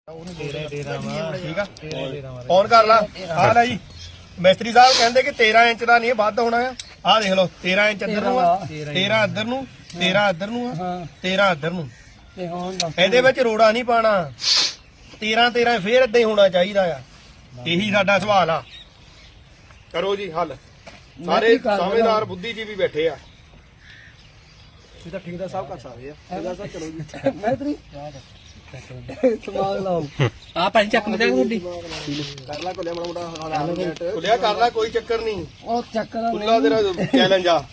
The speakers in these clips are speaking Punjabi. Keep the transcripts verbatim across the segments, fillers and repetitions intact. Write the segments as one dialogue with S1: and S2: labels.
S1: ठीक है ऑन कर ला आ ला जी मिस्त्री साहब कहते कि तेरह इंच का नहीं ਵੱਧ होना है आ देख लो तेरह इंच इधर तेरह इधर ਨੂੰ तेरह इधर ਨੂੰ तेरह इधर ਨੂੰ ਇਹਦੇ ਵਿੱਚ ਰੋੜਾ ਨਹੀਂ ਪਾਣਾ तेरह तेरह ਫੇਰ ਇਦਾਂ ਹੀ ਹੋਣਾ ਚਾਹੀਦਾ ਆ ਇਹੀ ਸਾਡਾ ਸਵਾਲ ਆ ਕਰੋ ਜੀ ਹੱਲ ਸਾਰੇ ਸਮਝਦਾਰ ਬੁੱਧੀਜੀਵੀ ਬੈਠੇ ਆ ਇਹ ਤਾਂ ਠੇਕੇਦਾਰ ਸਾਹਿਬ ਕਰ ਸਕਦੇ ਆ ਠੇਕੇਦਾਰ ਸਾਹਿਬ ਚਲੋ ਜੀ ਮੈਸਤਰੀ ਸਮਾਲ ਲਾਓ ਆ ਭਾਈ ਚੱਕ ਮੇ ਤੁਹਾਡੀ ਕਰ ਲਾ ਕੋਲਿਆ ਮਾੜਾ ਮੋਟਾ ਕੋਲਿਆ ਕਰ ਲਾ ਕੋਈ ਚੱਕਰ ਨਹੀਂ ਉਹ ਚੱਕਰ ਕੁੱਲਾ ਤੇਰਾ ਚੈਲੰਜ ਆ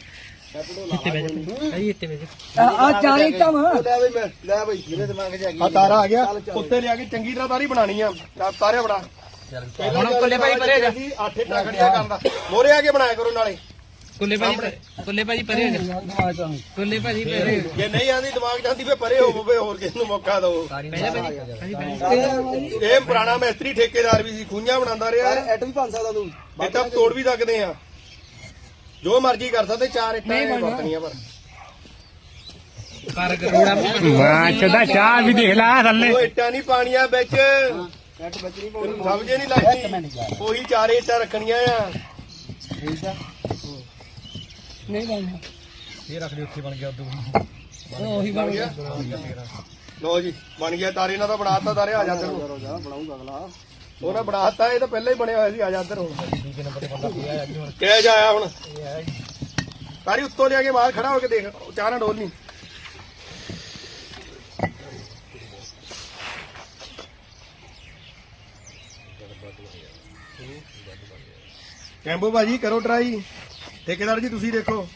S1: ਆ ਚਾਰੇ ਟਮ ਲੈ ਬਈ ਮੈਂ ਲੈ ਬਈ ਜਿਹਨੇ ਦਿਮਾਗ 'ਚ ਆ ਗਈ ਆ ਤਾਰਾ ਆ ਗਿਆ ਉੱਤੇ ਲਿਆ ਕੇ ਚੰਗੀ ਤਰ੍ਹਾਂ ਤਾਰੀ ਬਣਾਣੀ ਆ ਤਾਰਿਆ ਬੜਾ ਹੁਣ ਕੋਲੇ ਭਾਈ ਪਰੇ ਜਾ ਅੱਠ ਇੱਟਾਂ ਖੜੀਆਂ ਕਰਦਾ ਮੋਰੇ ਆ ਕੇ ਬਣਾਇਆ ਕਰੋ ਨਾਲੇ ਕੁੱਲੇ ਭਾਜੀ ਕੁੱਲੇ ਭਾਜੀ ਪਰੇ ਹੋ ਜਾ ਕੁੱਲੇ ਭਾਜੀ ਪਰੇ ਜੇ ਨਹੀਂ ਆਂਦੀ ਦਿਮਾਗ ਜਾਂਦੀ ਫੇ ਪਰੇ ਹੋਵੇ ਹੋਰ ਕਿਸ ਨੂੰ ਮੌਕਾ ਦਿਓ ਇਹ ਪੁਰਾਣਾ ਮਿਸਤਰੀ ਠੇਕੇਦਾਰ ਵੀ ਸੀ ਖੂੰਝਾਂ ਬਣਾਉਂਦਾ ਰਿਹਾ ਐਟ ਵੀ ਬਣ ਸਕਦਾ ਤੂੰ ਇਹ ਤਾਂ ਤੋੜ ਵੀ ਸਕਦੇ ਆ ਜੋ ਮਰਜ਼ੀ ਕਰ ਸਕਦੇ ਚਾਰ ਇੱਟਾਂ ਵਰਤਣੀਆਂ ਪਰ ਕਰ ਕਰੋੜਾ ਮਾਂ ਚਦਾ ਚਾਹ ਵੀ ਦੇਖ ਲੈ ਥੱਲੇ ਉਹ ਇੱਟਾਂ ਨਹੀਂ ਪਾਣੀਆਂ ਵਿੱਚ ਐਟ ਬਚਣੀ ਪਾਉਣੀ ਸਮਝੇ ਨਹੀਂ ਲੱਗਦੀ ਉਹੀ ਚਾਰੇ ਇੱਟਾਂ ਰੱਖਣੀਆਂ ਆ ਠੀਕ ਆ ਨਹੀਂ ਬਣਨਾ ਇਹ ਰੱਖ ਲਈ ਉੱਥੇ ਬਣ ਗਿਆ ਉਦੋਂ ਉਹੀ ਬਣ ਗਿਆ ਲੋ ਜੀ ਬਣ ਗਿਆ ਤਾਰੇ ਨਾਲ ਤਾਂ ਬਣਾਤਾ ਤਾਰੇ ਆ ਜਾ ਤੈਨੂੰ ਬਣਾਉਂਗਾ ਅਗਲਾ ਉਹਨੇ ਬਣਾਤਾ ਇਹ ਤਾਂ ਪਹਿਲਾਂ ਹੀ ਬਣਿਆ ਹੋਇਆ ਸੀ ਆ ਜਾ ਇੱਧਰ ਹੁਣ ਦੂਜੇ ਨੰਬਰ ਤੇ ਬੰਦਾ ਪਿਆ ਅੱਜ ਹੁਣ ਕਿਹ ਜਾ ਆਇਆ ਹੁਣ ਤਾਰੀ ਉੱਤੋਂ ਲਿਆ ਕੇ ਬਾਹਰ ਖੜਾ ਹੋ ਕੇ ਦੇਖ ਚਾਹ ਨਾ ਡੋਲ ਨਹੀਂ ਕੈਂਬੋ ਭਾਜੀ ਕਰੋ ਟਰਾਈ ਠੇਕੇਦਾਰ ਜੀ ਤੁਸੀਂ ਦੇਖੋ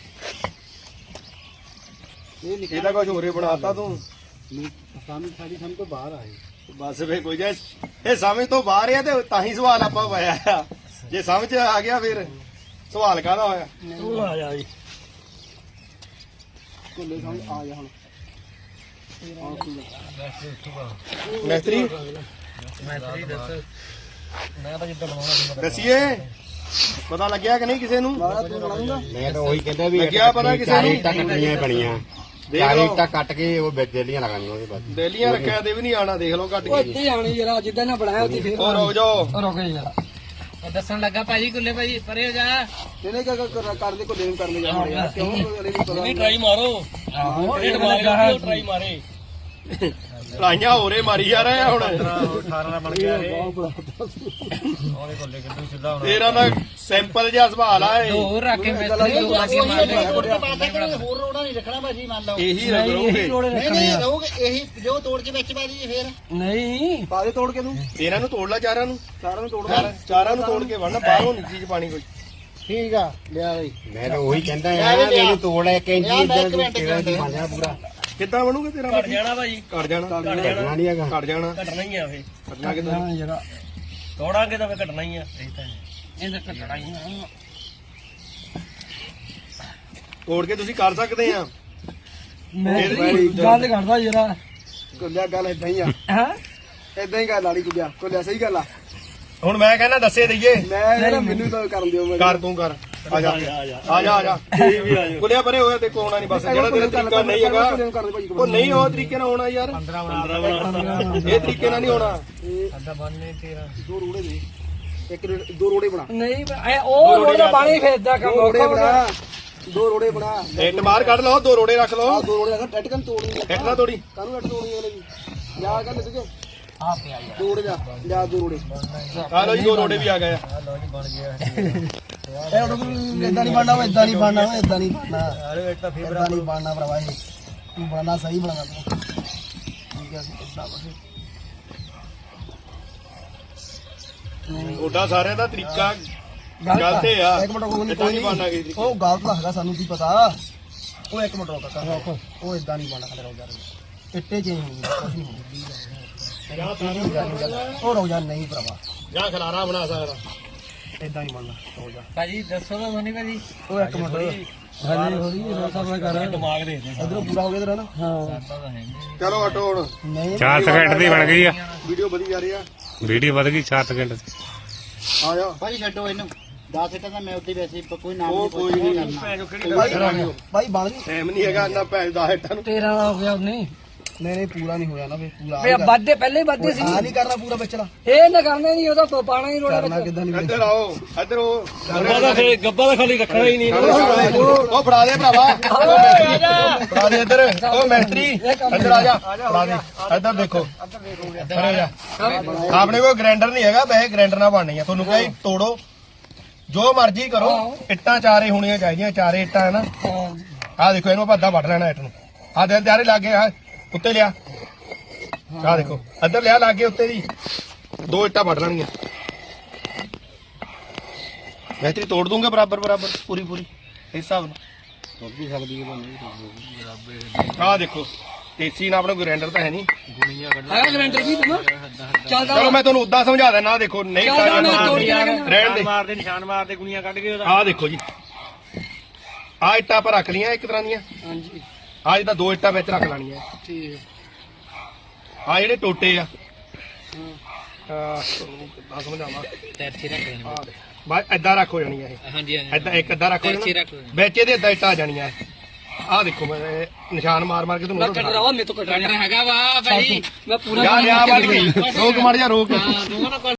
S1: ਇਹਦਾ ਕੁਝ ਹੋਰੇ ਬਣਾਤਾ ਤੂੰ ਸਮਝ ਸਾਡੀ ਸਮਝ ਤੋਂ ਬਾਹਰ ਆਏ ਬਸ ਫੇ ਕੋਈ ਜੇ ਇਹ ਸਮਝ ਤੋਂ ਬਾਹਰ ਆ ਤੇ ਤਾਂ ਹੀ ਸਵਾਲ ਆਪਾਂ ਪਾਇਆ ਆ ਜੇ ਸਮਝ ਆ ਗਿਆ ਫਿਰ ਸਵਾਲ ਕਾਹਦਾ ਹੋਇਆ ਤੂੰ ਆ ਜਾ ਜੀ ਕੋਲੇ ਸਮਝ ਆ ਜਾ ਹੁਣ ਮਿਸਤਰੀ ਮਿਸਤਰੀ ਦੱਸ ਮੈਂ ਤਾਂ ਜਿੱਦਾਂ ਬਣਾਉਣਾ ਦੱਸੀਏ ਪਤਾ ਲੱਗਿਆ ਕਿ ਨਹੀਂ ਕਿਸੇ ਨੂੰ
S2: ਮੈਂ ਤਾਂ ਉਹੀ ਕਹਿੰਦਾ ਵੀ
S1: ਲੱਗਿਆ ਪਤਾ ਕਿਸੇ ਨੂੰ
S2: ਇੱਟਾਂ ਕੱਟਣੀਆਂ ਬਣੀਆਂ ਚਾਰ ਇੱਟਾਂ ਕੱਟ ਕੇ ਉਹ ਬੇਲੀਆਂ ਲਗਾਉਣੀਆਂ ਉਹਦੇ ਬਾਅਦ
S1: ਬੇਲੀਆਂ ਰੱਖਿਆ ਤੇ ਵੀ ਨਹੀਂ ਆਣਾ ਦੇਖ ਲਓ ਕੱਟ ਕੇ
S3: ਇੱਥੇ ਆਣੀ ਜਰਾ ਜਿੱਦਾਂ ਨਾ ਬਣਾਇਆ ਉੱਥੇ ਫੇਰ
S1: ਉਹ ਰੁਕ ਜਾਓ
S3: ਰੁਕ ਜਾ ਉਹ ਦੱਸਣ ਲੱਗਾ ਭਾਜੀ ਕੁੱਲੇ ਭਾਜੀ ਪਰੇ ਹੋ ਜਾ
S1: ਇਹਨੇ ਕਿਆ ਕਰਦੇ ਕੋ ਦੇਣ ਕਰਨ ਜਾ ਕਿਉਂ
S3: ਨਹੀਂ ਟਰਾਈ ਮਾਰੋ ਆਹੋ ਇਹ ਮਾਰੋ ਟਰਾਈ ਮਾਰੇ
S1: ਟਰਾਈਆਂ ਹੋਰੇ ਮਾਰੀ ਜਾ ਰਹੇ ਆ ਹੁਣ
S3: ਅਠਾਰਾਂ ਦਾ ਬਣ ਗਿਆ ਇਹ ਉਹਦੇ ਕੋਲੇ ਕਿੱਦੂ ਸਿੱਧਾ ਹੋਣਾ
S1: ਤੇਰਾ ਦਾ ਸਿੰਪਲ ਜਿਹਾ ਸਵਾਲ ਆ ਇਹ
S3: ਹੋਰ ਰੱਖ ਕੇ ਮੈਂ ਤੇਰੇ ਲਾਗੇ ਮਾਰਦੇ
S4: ਹੋਰ ਰੋੜਾ ਨਹੀਂ ਰੱਖਣਾ ਭਾਜੀ ਮੰਨ ਲਓ
S1: ਇਹੀ ਰੱਖੋਗੇ
S4: ਨਹੀਂ ਨਹੀਂ ਰਹੋਗੇ ਇਹੀ ਜੋ ਤੋੜ ਕੇ ਵਿੱਚ ਪਾ ਦਈਏ ਫੇਰ
S3: ਨਹੀਂ
S1: ਪਾ ਦੇ ਤੋੜ ਕੇ ਤੂੰ ਇਹਨਾਂ ਨੂੰ ਤੋੜ ਲੈ ਚਾਰਾਂ ਨੂੰ ਚਾਰਾਂ ਨੂੰ ਤੋੜ ਲੈ ਚਾਰਾਂ ਨੂੰ ਤੋੜ ਕੇ ਵੜਨਾ ਬਾਹਰੋਂ ਨਹੀਂ ਚੀਜ਼ ਪਾਣੀ ਕੋਈ
S4: ਠੀਕ ਆ ਲਿਆ ਬਈ
S2: ਮੈਂ ਤਾਂ ਉਹੀ ਕਹਿੰਦਾ ਆ ਮੈਨੂੰ ਤੋੜ ਇੱਕ ਇੰਚ ਇਦਾਂ ਤੇਰਾ ਦੀ ਬਣ ਜਾਣਾ ਪੂਰਾ
S1: ਕਿੱਦਾਂ ਬਣੂਗਾ ਤੇਰਾ
S3: ਘਟ ਜਾਣਾ ਭਾਜੀ
S1: ਘਟ ਜਾਣਾ
S2: ਕੱਟਣਾ ਨਹੀਂ ਹੈਗਾ
S1: ਘਟ ਜਾਣਾ
S3: ਘਟਣਾ ਹੀ ਆ ਫੇ
S1: ਘਟਣਾ ਕਿੱਦਾਂ
S3: ਜਰਾ ਤੋੜਾਂਗੇ ਤਾਂ ਫੇ ਘਟਣਾ ਹੀ ਆ ਇਹ ਤਾਂ ਇਹਦਾ ਘਟਣਾ ਹੀ ਆ
S1: ਤੋੜ ਕੇ ਤੁਸੀਂ ਕਰ ਸਕਦੇ ਆ
S3: ਮੈਂ ਗੱਲ ਕਰਦਾ ਜਰਾ
S1: ਕੁੱਲਿਆ ਗੱਲ ਇਦਾਂ ਹੀ ਆ
S3: ਹਾਂ
S1: ਇਦਾਂ ਹੀ ਗੱਲ ਆਲੀ ਕੁੱਲਿਆ ਕੁੱਲਿਆ ਸਹੀ ਗੱਲ ਆ ਹੁਣ ਮੈਂ ਕਹਿੰਦਾ ਦੱਸੇ ਦਈਏ ਮੈਂ ਮੈਨੂੰ ਤਾਂ ਕਰਨ ਦਿਓ ਮੈਂ ਕਰ ਤੂੰ ਕਰ ਆ ਜਾ ਆ ਜਾ ਆ ਜਾ ਕੁੱਲਿਆ ਪਰੇ ਹੋਇਆ ਤੇ ਕੋਣਾ ਨਹੀਂ ਬਸ ਜਿਹੜਾ ਤੇਰਾ ਤਰੀਕਾ ਨਹੀਂ ਹੈਗਾ ਉਹ ਨਹੀਂ ਉਹ ਤਰੀਕੇ ਨਾਲ ਹੋਣਾ ਯਾਰ ਪੰਦਰਾਂ ਇਹ ਤਰੀਕੇ ਨਾਲ ਨਹੀਂ ਹੋਣਾ
S3: ਅੱਧਾ ਬੰਨੇ ਤੇਰਾ
S1: ਦੋ ਰੋੜੇ ਦੇ ਇੱਕ ਦੋ ਰੋੜੇ ਬਣਾ
S3: ਨਹੀਂ ਉਹ ਰੋੜਾ ਪਾਣੀ ਫੇਰਦਾ ਕੰਮ
S1: ਰੋੜੇ ਬਣਾ ਦੋ ਰੋੜੇ ਬਣਾ ਇੱਟ ਬਾਹਰ ਕੱਢ ਲਓ ਦੋ ਰੋੜੇ ਰੱਖ ਲਓ ਦੋ ਰੋੜੇ ਰੱਖ ਟੱਟ ਕੰਨ ਤੋੜਨੀ ਇੱਟ ਨਾ ਤੋੜੀ ਕਾਹਨੂੰ ਇੱਟ ਤੋੜਨੀ ਉਹਨੇ ਵੀ ਜਾ ਕਰ ਲੱਗ
S3: ਆ ਪਿਆ ਯਾਰ
S1: ਦੋ ਰੋੜੇ ਜਾ ਲਿਆ ਦੋ ਰੋੜੇ ਆ ਲਓ ਜੀ ਦੋ ਰੋੜੇ ਵੀ ਆ ਗਏ ਆ
S3: ਲੋ ਜੀ ਬਣ ਗਿਆ
S1: ਇਹ ਉਹ ਇਦਾਂ ਨਹੀਂ ਬਣਨਾ ਇਦਾਂ ਨਹੀਂ ਬਣਨਾ ਇਦਾਂ ਨਹੀਂ ਬਣਨਾ ਅਰੇ ਇੱਟਾ ਫੇਰ ਇਦਾਂ ਨਹੀਂ ਬਣਨਾ ਭਰਾਵਾ ਇਹ ਤੂੰ ਬਣਨਾ ਸਹੀ ਬਣਾਣਾ ਤੂੰ ਠੀਕ ਹੈ ਇਦਾਂ ਬਸ ਉਹਦਾ ਸਾਰਿਆਂ ਦਾ ਤਰੀਕਾ ਗਲਤ ਹੈ ਆ ਇੱਕ ਮਿੰਟ ਕੋਈ ਨਹੀਂ ਬਣਨਾ ਕੀ ਉਹ ਗਲਤ ਲੱਗਦਾ ਸਾਨੂੰ ਕੀ ਪਤਾ ਉਹ ਇੱਕ ਮਿੰਟ ਰੋਕ ਕਰ ਉਹ ਇਦਾਂ ਨਹੀਂ ਬਣਨਾ ਖੜੇ ਰੋ ਜਾ ਇੱਟੇ ਚੇਂਜ ਹੋਣਗੇ ਕੁਝ ਨਹੀਂ ਹੋਣਾ ਉਹ ਰੋ ਜਾ ਨਹੀਂ ਭਰਾਵਾ ਜਾਂ ਖਲਾਰਾ ਬਣਾ ਸਕਦਾ ਇਦਾਂ ਨਹੀਂ ਬਣਨਾ ਰੋ ਜਾ
S3: ਭਾਜੀ ਦੱਸੋ ਤਾਂ ਸੋਨੀ ਭਾਜੀ
S1: ਉਹ ਇੱਕ ਮਿੰਟ
S3: ਹਾਂਜੀ ਹੋਰੀ ਸਭ ਕਰ ਦਿਮਾਗ ਦੇ ਦੇ
S1: ਇਧਰੋਂ ਪੂਰਾ ਹੋ ਗਿਆ ਤੇਰਾ ਨਾ
S3: ਹਾਂ
S1: ਚਲੋ ਹਟੋ ਹੁਣ ਨਹੀਂ
S5: ਚਾਰ ਸਕਿੰਟ ਦੀ ਬਣ ਗਈ ਆ
S1: ਵੀਡੀਓ ਵਧੀ ਜਾ ਰਹੀ ਆ
S5: ਵੀਡੀਓ ਵਧ ਗਈ ਚਾਰ ਸਕਿੰਟ ਦੀ
S1: ਆ ਜਾ
S4: ਭਾਜੀ ਛੱਡੋ ਇਹਨੂੰ ਦਸ ਇੱਟਾਂ ਦਾ ਮੈਂ ਉੱਤੇ ਵੈਸੇ ਕੋਈ ਨਾਮ
S1: ਉਹ ਕੋਈ ਨਹੀਂ
S4: ਕਰਨਾ
S1: ਭਾਈ ਬਣ ਟਾਈਮ ਨਹੀਂ ਹੈਗਾ ਨਾ ਭੈਣ ਦਾ ਇੱਟਾਂ ਨੂੰ
S3: ਤੇਰਾ ਹੋ ਗਿਆ ਨਹੀਂ
S1: ਨਹੀਂ ਨਹੀਂ ਪੂਰਾ ਨਹੀਂ ਹੋਇਆ ਨਾ ਫੇ ਪੂਰਾ
S6: ਵੇ ਵੱਧਦੇ ਪਹਿਲੇ ਹੀ ਵੱਧਦੇ ਸੀ
S1: ਆ ਨਹੀਂ ਕਰਨਾ ਪੂਰਾ ਵਿਚਲਾ
S6: ਇਹ ਨਾ ਕਰਨਾ ਨਹੀਂ ਉਹਦਾ ਪ- ਪਾਣਾ ਹੀ ਰੋਣਾ
S1: ਕਰਨਾ ਕਿੱਦਾਂ ਨਹੀਂ ਇੱਧਰ ਆਓ ਇੱਧਰ ਉਹ
S3: ਗੱਬਾ ਦਾ ਫਿਰ ਗੱਬਾ ਦਾ ਖਾਲੀ ਰੱਖਣਾ ਹੀ ਨਹੀਂ
S1: ਉਹ ਫੜਾ ਦੇ ਭਰਾਵਾ ਫੜਾ ਦੇ ਇੱਧਰ ਉਹ ਮੈਸਤਰੀ ਇੱਧਰ ਆ ਜਾ ਫੜਾ ਦੇ ਇੱਧਰ ਦੇਖੋ ਇੱਧਰ ਆ ਜਾ ਆਪਣੇ ਕੋਲ ਗ੍ਰਾਈਂਡਰ ਨਹੀਂ ਹੈਗਾ ਵੈਸੇ ਗ੍ਰਾਈਂਡਰ ਨਾਲ ਬਣਨੀ ਆ ਤੁਹਾਨੂੰ ਕਹੇ ਤੋੜੋ ਜੋ ਮਰਜ਼ੀ ਕਰੋ ਇੱਟਾਂ ਚਾਰੇ ਹੋਣੀਆਂ ਚਾਹੀਦੀਆਂ ਚਾਰੇ ਇੱਟਾਂ ਹੈ ਨਾ ਆਹ ਦੇਖੋ ਇਹਨੂੰ ਆਪਾਂ ਅੱਧਾ ਵੱਢ ਲੈਣਾ ਇੱਟ ਨੂੰ ਆਹ ਦੇ ਤਿਆਰੇ ਲਾਗੇ ਆ ਉੱਤੇ ਲਿਆ ਆਹ ਦੇਖੋ ਇੱਧਰ ਲਿਆ ਲਾਗੇ ਉੱਤੇ ਦੀ ਦੋ ਇੱਟਾਂ ਵੱਢ ਲੈਣੀਆਂ ਮੈਸਤਰੀ ਤੋੜ ਦੂੰਗਾ ਬਰਾਬਰ ਬਰਾਬਰ ਪੂਰੀ ਪੂਰੀ ਇਸ ਹਿਸਾਬ ਨਾਲ
S2: ਤੁਰ ਵੀ ਸਕਦੀ ਹੈ
S1: ਆਹ ਦੇਖੋ ਦੇਸੀ ਨਾਲ ਆਪਣਾ ਗ੍ਰਾਈਂਡਰ ਤਾਂ ਹੈ ਨਹੀਂ
S6: ਹੈ ਗਰੰਟਰ ਵੀ ਤੂੰ ਚੱਲਦਾ
S1: ਚਲੋ ਮੈਂ ਤੁਹਾਨੂੰ ਉਦਾਂ ਸਮਝਾ ਦਿੰਦਾ ਆਹ ਦੇਖੋ ਨਹੀਂ
S6: ਚੱਲਦਾ ਮੈਂ ਤੋੜ ਕੇ
S1: ਰਹਿਣ ਦੇ
S3: ਮਾਰਦੇ ਨਿਸ਼ਾਨ ਮਾਰਦੇ ਗੁਣੀਆਂ ਕੱਢ ਕੇ ਉਹਦਾ
S1: ਆਹ ਦੇਖੋ ਜੀ ਆਹ ਇੱਟਾਂ ਆਪਾਂ ਰੱਖ ਲਈਆਂ ਇੱਕ ਤਰ੍ਹਾਂ ਦੀਆਂ
S6: ਹਾਂਜੀ
S1: ਆਹ ਜਿੱਦਾਂ ਦੋ ਇੱਟਾਂ ਵਿੱਚ ਰੱਖ ਲੈਣੀਆਂ
S6: ਠੀਕ
S1: ਆਹ ਜਿਹੜੇ ਟੋਟੇ ਆ ਆਹ ਕਿੱਦਾਂ ਸਮਝਾਵਾਂ
S6: ਟੈਰਚੀ ਰੱਖ ਦੇਣਾ
S1: ਬਸ ਏਦਾਂ ਰੱਖ ਹੋ ਜਾਣੀਆਂ ਇਹ
S6: ਹਾਂਜੀ ਹਾਂਜੀ
S1: ਏਦਾਂ ਇੱਕ ਅੱਧਾ ਰੱਖ ਹੋ
S6: ਟੈਰਚੀ
S1: ਜਾਣਾ
S6: ਰੱਖ ਦੇਣਾ
S1: ਵਿੱਚ ਇਹਦੇ ਏਦਾਂ ਇੱਟਾਂ ਆ ਜਾਣੀਆਂ ਆਹ ਦੇਖੋ ਮੈਂ ਇਹ ਨਿਸ਼ਾਨ ਮਾਰ ਮਾਰ ਕੇ
S6: ਮੈਂ
S1: ਤੁਹਾਨੂੰ
S6: ਕੱਟ ਰਹਾ ਮੇਰੇ ਤੋਂ ਕੱਟਣਾ ਹੈਗਾ ਵਾ ਭਾਈ ਮੈਂ ਪੂਰਾ
S1: ਯਾਰ ਯਾਰ ਵੱਢ ਗਈ ਰੋਕ ਮੜ ਜਾ ਰੋਕ
S6: ਦੋਵਾਂ ਨਾਲ